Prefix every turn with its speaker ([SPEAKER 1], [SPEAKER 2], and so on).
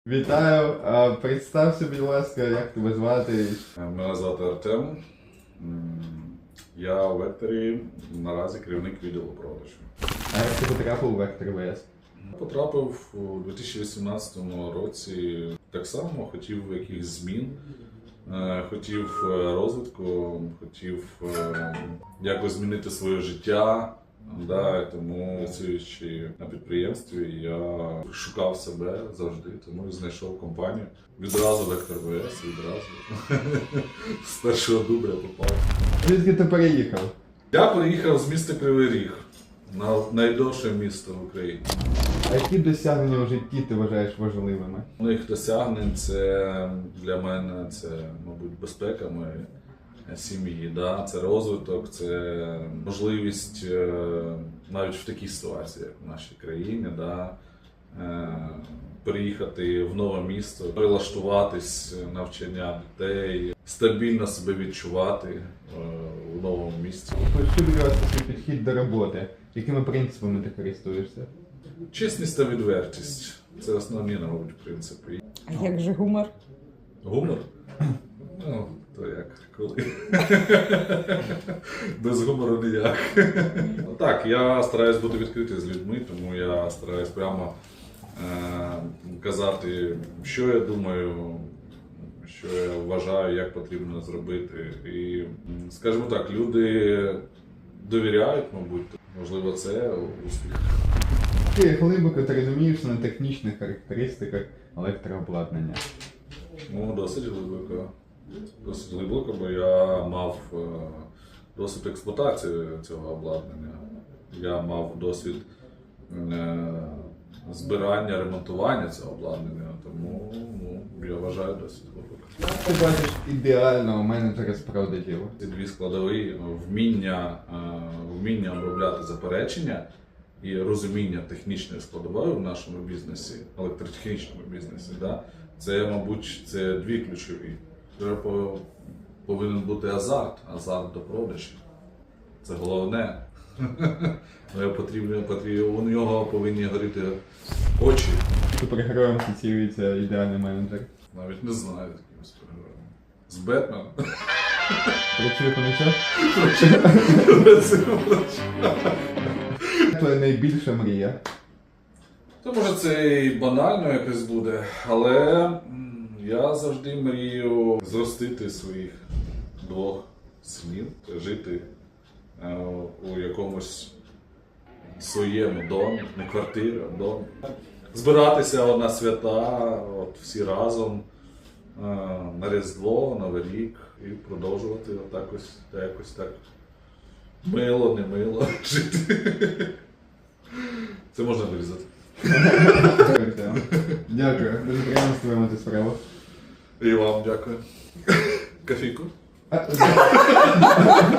[SPEAKER 1] Вітаю! Представся, будь ласка, як тебе звати?
[SPEAKER 2] Мене звати Артем. Я у Векторі наразі керівник відділу продажу.
[SPEAKER 1] А як ти потрапив у Вектор ВС?
[SPEAKER 2] Потрапив у 2018 році. Так само хотів якихось змін, хотів розвитку, хотів якось змінити своє життя. Тому працюючи на підприємстві, я шукав себе завжди, тому і знайшов компанію. Відразу Вектор ВС, відразу. З першого дубля попав.
[SPEAKER 1] Звідки ти переїхав?
[SPEAKER 2] Я приїхав з міста Кривий Ріг, найдовше місто в Україні.
[SPEAKER 1] А які досягнення в житті ти вважаєш важливими?
[SPEAKER 2] Моїх досягнень це для мене це, мабуть, безпека моєї сім'ї, це розвиток, це можливість навіть в такій ситуації, як в нашій країні, переїхати в нове місто, прилаштуватись, навчання дітей, стабільно себе відчувати у новому місті.
[SPEAKER 1] Що для вас такий підхід до роботи? Якими принципами ти користуєшся?
[SPEAKER 2] Чесність та відвертість – це основні, мабуть, принципи.
[SPEAKER 3] А як же гумор?
[SPEAKER 2] Гумор? Ну, то як, коли? Без гумору ніяк. Так, я стараюсь бути відкритий з людьми, тому я стараюсь прямо казати, що я думаю, що я вважаю, як потрібно зробити. І, скажімо так, люди довіряють, мабуть, можливо, це успіх.
[SPEAKER 1] Ти глибоко ти розумієшся на технічних характеристиках електрообладнання?
[SPEAKER 2] Ну, досить глибоко. Досить глибоко, бо я мав досвід експлуатації цього обладнання. Я мав досвід збирання, ремонтування цього обладнання, тому я вважаю досить глибоко.
[SPEAKER 1] Ти бачиш ідеального менеджера з продажів?
[SPEAKER 2] Ці дві складові вміння обробляти заперечення і розуміння технічної складової в нашому бізнесі, електротехнічному бізнесі, це, мабуть, це дві ключові. Повинен бути азарт до продажів. Це головне. У нього повинні горіти очі.
[SPEAKER 1] Супергероєм асоціюється ідеальний менеджер.
[SPEAKER 2] Навіть не знаю таким супергероєм. З Бетменом.
[SPEAKER 1] Працює по ночах? Твоя найбільша мрія?
[SPEAKER 2] То може це і банально якось буде, але я завжди мрію зростити своїх двох синів, жити у якомусь своєму домі, не квартирі, а домі. Збиратися на свята, всі разом, на Різдво, Новий рік і продовжувати якось так мило, не мило жити. Це можна вирізати.
[SPEAKER 1] Дякую. Дуже приємно з тобою мати справу.
[SPEAKER 2] І вам дякую. Кофійку?